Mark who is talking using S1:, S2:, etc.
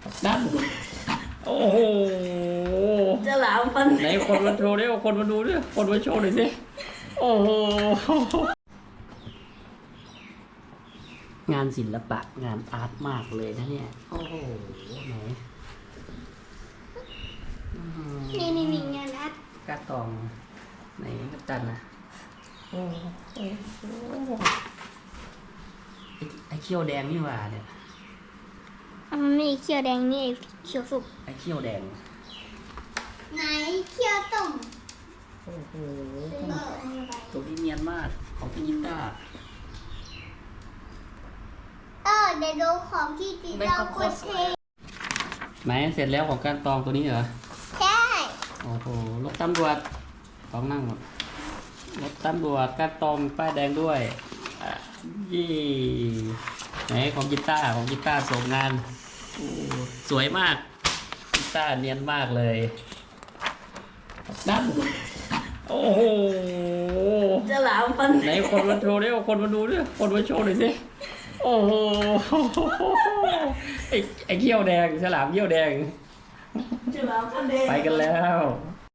S1: นั่นโอ้โห
S2: จะหลามฟัน
S1: ไหนคนมาโชว์ดิคนมาดูดิคนมาโชว์หน่อยสิโอ้โหงานศิลปะงานอาร์ตมากเลยนะเนี่ยโอ้โหไหน
S3: นี่งานอาร์ต
S1: กาตองไหนกัปตันนะโอ้ไอ้เขี้ยวแดงนี่หว่าเนี่ย
S3: มันมีเขียวแดงนี่เขียวสุก
S1: ไอ้เขี้ยวแดง
S3: ไหนเขียวส้ม
S1: โอ้โหตัวนี้เนียนมากของพี่ยิต้า
S3: เดี๋ยวดูของที่จีเราคนเท
S1: ไหนเสร็จแล้วของการตองตัวนี้เหรอ
S3: ใช่
S1: โอ้โหรถตำรวจต้องนั่งหมดรถตำรวจการตองป้ายแดงด้วยยี่ไหนของกีตาร์ส่งงานสวยมากกีตาร์เนียนมากเลยนั่นโอ้โห
S2: จะหลามฟัน
S1: ไหนคนมาโชว์ดิคนมาดูดิคนมาโชว์หน่อยสิโอ้โหไอ้เขี้ยวแดงฉลามเขี้ยวแดง
S2: จะหลามฟันแดง
S1: ไปกันแล้ว